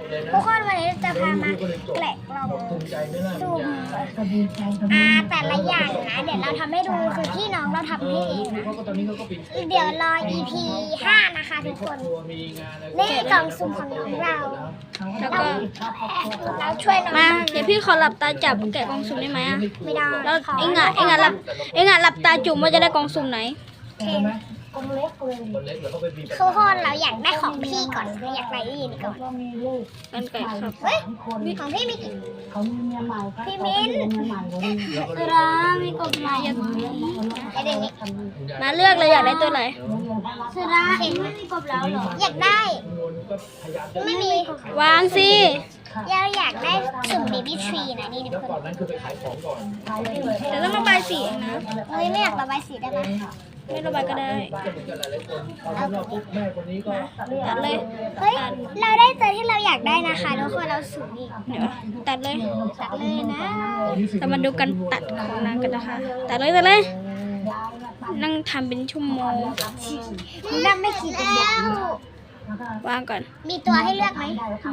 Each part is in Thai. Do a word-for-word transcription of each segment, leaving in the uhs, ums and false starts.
ทุกคนวันนี้จะพามาแกะกล่องสุ่มอ่าแต่ละอย่างนะเดี๋ยวเราทำให้ดูคือพี่น้องเราทำให้เองนะเดี๋ยวรอ อี พี ห้านะคะทุกคนนี่กล่องสุ่มของน้องเราแล้วก็เราช่วยน้องมาเดี๋ยวพี่ขอหลับตาจับแกะกล่องสุ่มได้ไหมอ่ะไม่ได้แล้วเอ็งอ่ะเอ็งอ่ะหลับเอ็งอ่ะหลับตาจุ่มว่าจะได้กล่องสุ่มไหนทุกคนเราอยากได้ของพี่ก่อนเราอยากได้อีนก่อนกันไก่ครับเฮ้ยของพี่มีกี่พี่มิ้นตรามีกบมาอย่างนี้ไอเด็กนี่มาเลือกเลยอยากได้ตัวไหนสระเห็นไม่มีกบแล้วหรออยากได้ไม่มีวางสิเราอยากได้สุ่มเบบี้ทรีนะนี่ทุกคนเดี๋ยวต้องระบายสีเองนะเฮ้ยไม่อยากระบายสีได้ไหมไม่ระบายก็ได้ตัดเลยเฮ้ยเราได้ตัวที่เราอยากได้นะคะทุกคนเราสุ่มอีกเดี๋ยวตัดเลยตัดเลยนะเรามาดูกันตัดของนางกันนะคะตัดเลยตัดเลยนั่งทำเป็นชั่วโมงนั่งไม่คิดแล้ววางก่อนมีตัวให้เลือกไหม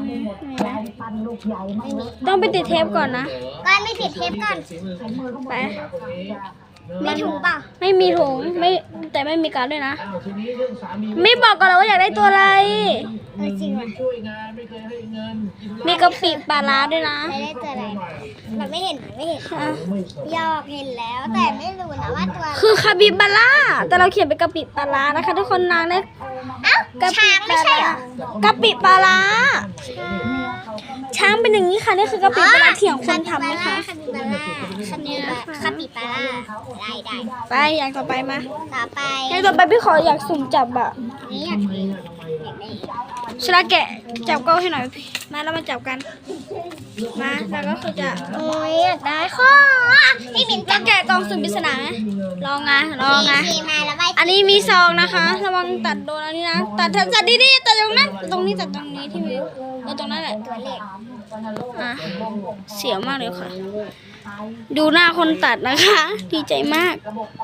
ต้องไปติดเทปก่อนนะก็ไม่ติดเทปก่อนไปมีถุงเปล่าไม่มีถุงไม่แต่ไม่มีการ์ดด้วยนะ ไม่บอกก่อนเลยว่าอยากได้ตัวอะไรเออจริงว่ะมีกะปิปลาร้าด้วยนะไม่ได้ตัวอะไรเราไม่เห็นไม่เห็นยอกเห็นแล้วแต่ไม่รู้นะว่าตัวคือคาบิบาร่าแต่เราเขียนเป็นกะปิปลาร้านะคะทุกคนนางได้เอ้ากะปิช้างไม่ใช่เหรอกะปิปลาร้าช้างเป็นอย่างนี้ค่ะนี่คือกะปิปลาร้าเถียงคนทำนะคะคาปิบาร่าคาปิบาร่าคาปิบาร่าได้ได้ไปอย่างต่อไปมาต่อไปอย่างต่อไปพี่ขออยากสุ่มจับอะนี่อยากได้อยากได้ชลาแกะจับเก้าให้หน่อยพี่มาแล้วมาจับกันมาแล้วก็คือจะโอ้ยอยากได้ข้อพี่บินจะแกะกล่องสุ่มปริศนาไหมลองไงลองไงทีมาแล้วไปอันนี้มีซองนะคะระวังตัดโดนอันนี้นะตัดตัดดีๆตัดตรงนั้นตรงนี้ตัดตรงนี้ที่มีเออตรงนั้นแหละตัวเล็กอ่ะเสียวมากเลยค่ะ ดูหน้าคนตัดนะคะ ดีใจมาก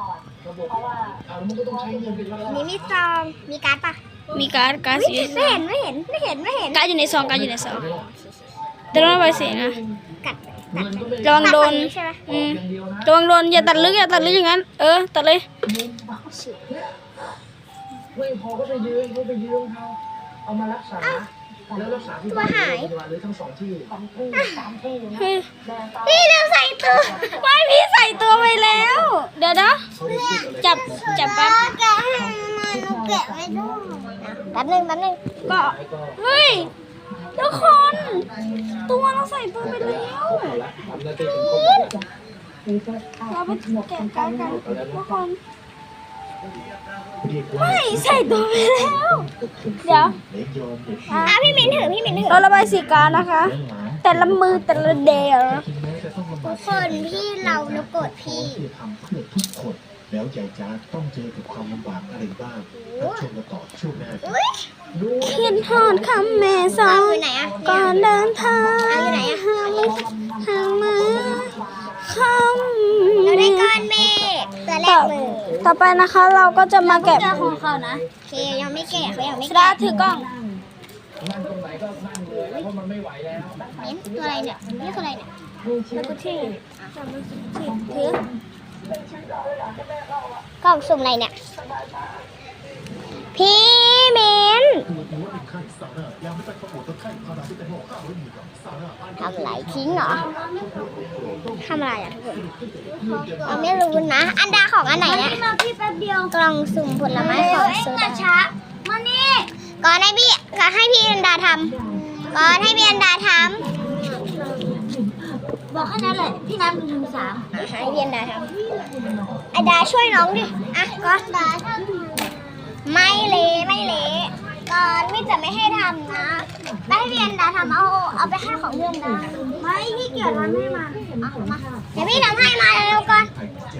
นี่มีซองมีการ์ดปะมีการ์ดการ์ดสีไม่เห็นไม่เห็นไม่เห็นไม่เห็นการ์ดอยู่ในซองการ์ดอยู่ในซองแต่ต้องระบายสีนะกัดกัดระวังโดนใช่ไหมอืมระวังโดนอย่าตัดลึกอย่าตัดลึกอย่างนั้น เออตัดเลยไม่พอก็ไปยืมก็ไปยืมเขาเอามารักษาแล้วรักษาที่ตัวหายหรือทั้งสองที่เฮ้ยพี่เราใส่ตัวไม่พี่ใส่ตัวไปแล้ว เดี๋ยวนะจับจับแป๊บแกะให้มาหนูแกะไม่ได้แป๊บนึงแป๊บนึงก็เฮ้ยทุกคน ตัวเราใส่ตัวไปแล้วเราไปแกะกันกันทุกคนไม่ใส่ตัวไปแล้ว เดี๋ยวอ่ะพี่มิ้นถือพี่มิ้นถือเราระบายสีการนะคะ แต่ละมือแต่ละเดย์ทุกคนพี่เราหนูโกรธพี่ที่ทำเพื่อทุกคนแล้วใหญ่จ้าต้องเจอกับความลำบากอะไรบ้างรับชมกันต่อช่วงหน้าอุ้ยเขียนทอดคำแม่สอเอานอยู่ไหนอ่ะก่อนเดินทางเอาอยู่ไหนอ่ะหามือหามาคำเราได้ก้อนเมฆตัวแรต่อกเลยต่อไปนะคะเราก็จะมาแกะของเขานะโอเคยังไม่แกะเขายังไม่ชดาแกะถือกล้องนั่งตรงไหนก็นั่งเลยเพราะมันไม่ไหวแล้วมิ้นตัวอะไรเนี่ยนี่คืออะไรเนี่ยแล้วก็ที่ถือกล่องสุ่มอะไรเนี่ยพี่มิ้นทำอะไรทิ้งเหรอทำอะไรอ่ะทุกคนเราไม่รู้นะอันดาของอันไหนเนี่ยมาพี่แป๊บเดียวกล่องสุ่มผลไม้ของโซดาช้ามานี่ก่อนให้พี่ก่อนให้พี่อันดาทำก่อนให้พี่อันดาทำบอกแค่นั้นแหละพี่น้ำหนึ่งสามให้พี่อันดาทำอันดาช่วยน้องดิอ่ะก่อนดาทำไม่เละไม่เละก่อนพี่จะไม่ให้ทำนะไม่ให้พี่อันดาทำเอาเอาไปให้ของเพื่อนดาไม่พี่เกียรทำให้มาเอามาเดี๋ยวพี่ทำให้มาเร็วๆก่อน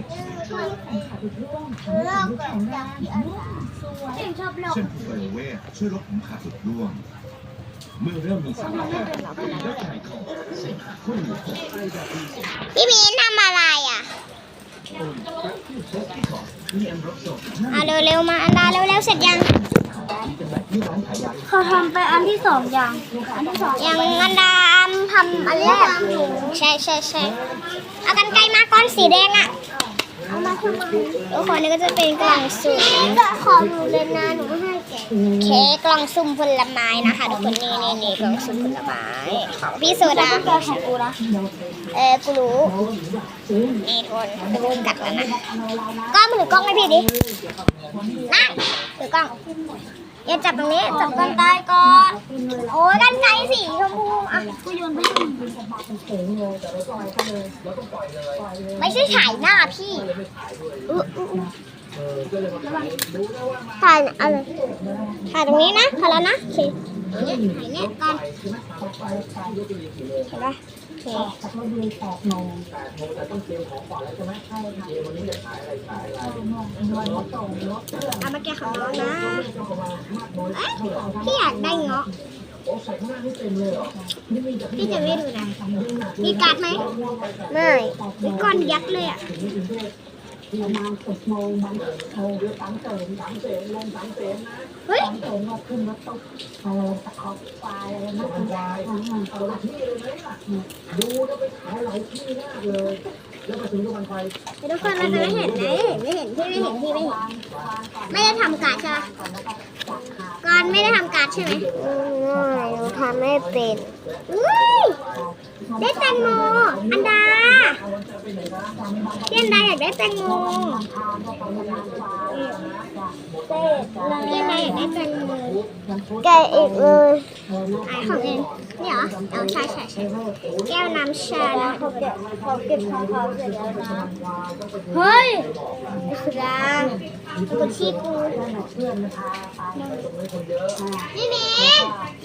เลิกเกิดจากพี่อันดาชอบโลกเช่นไฟเวทช่วยลดผมขาดหลุดร่วงเมื่อเริ่มมีสารแพทย์และถ่ายของเสมหะข้นหมูพี่มีนทำอะไรอ่ะเอาเร็วๆมาอันดาเร็วๆเสร็จยังเขาทำไปอันที่สองอย่างอันที่สองยังอันดามทำอันแรกใช่ใช่ใช่เอากันไกลมาก้อนสีแดงอ่ะเอามาทำไมทุกคนนี่ก็จะเป็นกล่องสุ่มของหนูเลยนะหนูให้แกเค้กกล่องสุ่มผลไม้นะคะทุกคนนี่นี่นี่กล่องสุ่มผลไม้ของพี่โซดาก็ของกูนะเออกูรู้นี่ทุกคนจะมึงกัดแล้วนะกล้องมือถือกล้องให้พี่ดินั่งถือกล้องอย่าจับตรงนี้จับกันไกลก่อนโอ้ยกันไกลสีชมพูอ่ะกูโยนไปให้มึงไม่ใช่ถ่ายหน้าพี่อุ๊ยอุ๊ยอุ๊ยถ่ายอะไรถ่ายตรงนี้นะพอแล้วนะโอเคถ่ายเนี่ยก่อนเห็นปะโอเคเอามาแกะของน้องนะเอ้ยพี่อยากได้เงาะพี่จะไม่ดูนะมีการ์ดไหมไม่มีก้อนยักษ์เลยอ่ะเฮ้ยไม่ทุกคนเราจะไม่เห็นนะไม่เห็นพี่ไม่เห็นพี่ไม่เห็นไม่ได้ทำการ์ดใช่ไหมก่อนไม่ได้ทำการ์ดใช่ไหมไม่หนูทำไม่เป็นอุ้ยได้แตงโมอันดาพี่อันดาอยากได้แตงโมพี่อันดาอยากได้แตงโมแกอีกเลยไอของเองนี่เหรอเอาใช่ใช่ใช่แก้วน้ำชานะเขาเก็บเขาเก็บของเขาเสร็จแล้วนะเฮ้ยไอ้สุดาตัวชี้กูนี่เมย์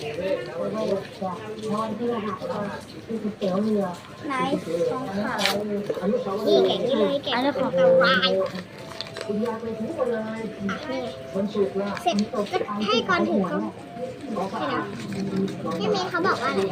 ไหนของเขานี่แกะนี่เลยแกะของกระวายอ่ะนี่เสร็จก็ให้ก่อนถือกล้องนี่นะพี่เมย์เขาบอกว่าอะไร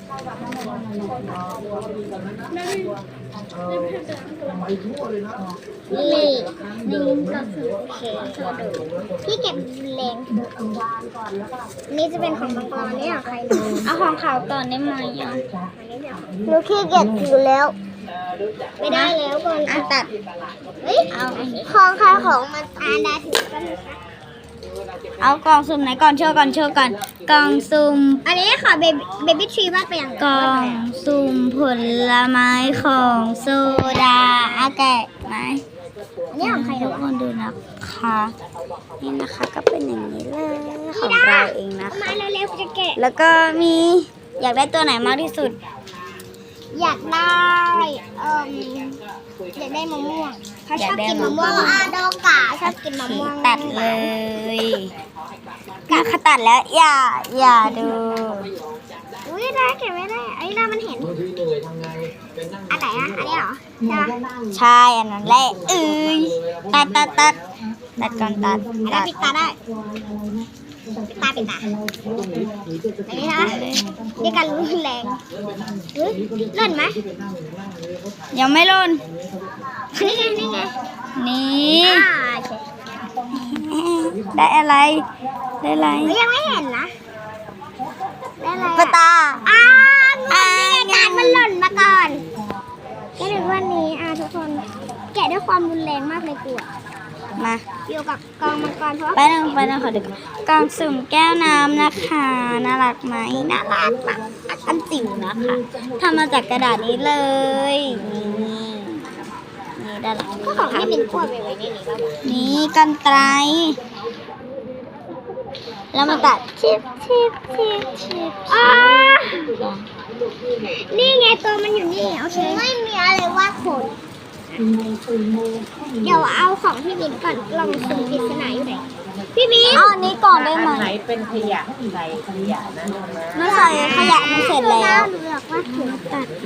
นี่นี่ก็คือโอเคพี่เก็บแรงนี่จะเป็นของบางกรนี่ของใครเอาของเขาก่อนได้ไหมอ่ะหนูขี้เกียจถือแล้วไม่ได้แล้วก่อนอ่ะตัดเฮ้ยเอาของใครของมันอ่านได้ถือกันนะคะเอากล่องสุ่มไหนก่อนโชว์ก่อนโชว์ก่อนกล่องสุ่มอันนี้ขอเบบี้เบบี้ทรีวาดไปอย่างกล่องสุ่มผลไม้ของโซดาอาแกะไหมอันนี้ของใครทุนะกคนดูนะคะนี่นะคะก็เป็นอย่างนี้เลยของเราเองนะเอามาคะเร็วๆจะแกะแล้วก็มีอยากได้ตัวไหนมากที่สุดอยากได้เอ่มอยากได้มะม่วงเขาชอบกินมะม่วงอาโดกะชอบกินมะม่วงตัดเลยการขตัดแล้วอย่าอย่าดูอุ้ยได้เก็บไม่ได้ไอ้เรามันเห็นอันไหนอ่ะอันนี้เหรอใช่ปะใช่อันนั้นแหละเอ้ยตัดตัดตัดตัดก่อนตัดอันตันั้นดปิดตาได้ปิดตาปิดตาอันนี้นะนี่การรุนแรงเฮ้ยเล่นไหมยังไม่รุนนี่ไงนี่ไงนี่อ่าได้อะไรได้อะไรเฮ้ยยังไม่เห็นนะได้อะไรปะตาอ่านี่ไงการมันหล่นมาก่อนก็เลยวันนี้อ่ะทุกคนแกะด้วยความรุนแรงมากเลยกูอ่ะมาอยู่กับกองมังกรเพราะไปนั่งไปนั่งขอดูกล่องสุ่มแก้วน้ำนะคะน่ารักไหมน่ารักมากอันจิ๋วนะคะทำมาจากกระดาษนี้เลยนี่นี่ด้านหลังก็ของที่เป็นกล้วยไปไว้ในนี้แล้วนี่กันไกรแล้วมาตัดชิบชิบชิบชิบอ่านี่ไงตัวมันอยู่นี่โอเคไม่มีอะไรว่าขนเดี๋ยวเอาของพี่บินก่อนลองสุ่มปริศนาอยู่ไหนพี่บินเอาอันนี้ก่อนได้ไหมไหนเป็นขยะใส่ขยะนะนะไม่ใส่ขยะมันเสร็จแล้วหนูอยากว่าขนตัด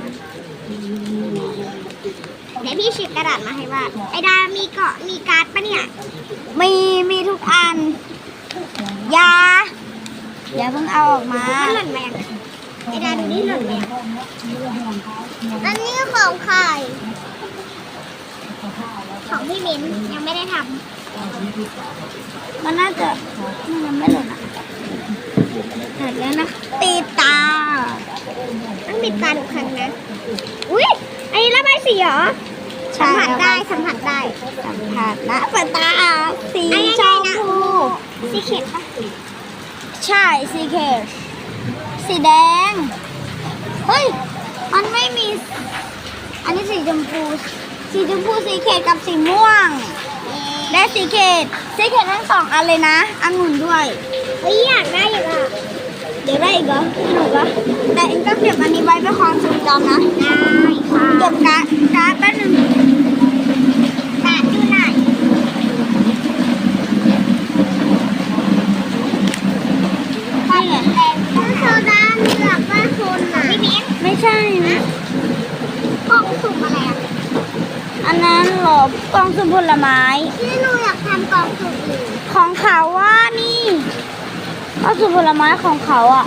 เดี๋ยวพี่ฉีกกระดาษมาให้วาดไอดามีเกาะมีการ์ดปะเนี่ยมีมีทุกอันอยาอย่าเพิ่งเอาออกมามันหล่นมายังไอดาดูนี่หล่นมายังอันนี้ของใครของพี่มิ้นยังไม่ได้ทมันน่าจะมันยังไม่หล่นอ่ะเสร็จแล้วนะตีตาำต้องปิดตาทุกครั้งนะ อุ้ยอันนี้ระบายสีเหรอ สัมผัสได้สัมผัสได้สัมผัสนะเปิดตาสีอันนี้ชไงมนะพูสีเขียวปะใช่สีเขตสีแดง เฮ้ย มันไม่มี อันนี้สีชมพู สีชมพูสีเขตกับสีม่วง ได้สีเขตสีเขตทั้งสองอันเลยนะองุ่นด้วยเฮ้ยอยากได้อีกอ่ะเดี๋ยวได้อีกเหรอหนูวะแต่เองก็เก็บอันนี้ไว้เป็นความทรงจำนะได้ค่ะเก็บการ์ดการ์ดแป๊บนึงกาดอยู่ไหนนี่ไงถ้าโซดาเลือกว่าคนอ่ะพี่มิ้นไม่ใช่นะกล่องสุ่มอะไรอ่ะอันนั้นเหรอกล่องสุ่มผลไม้ที่หนูอยากทำกล่องสุ่มอื่นของเขาว่านี่กล่องสุ่มผลไม้ของเขาอ่ะ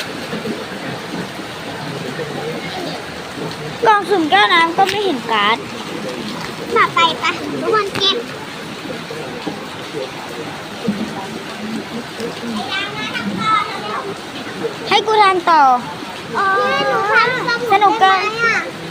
กล่องสุ่มแก้วน้ำก็ไม่เห็นการ์ดต่อไปปะทุกคนเก็บไอ้ยางมาทำต่อเร็วให้กูทำต่อๆอ๋อที่หนูทำสนุกเกินได้ไหมอ่ะ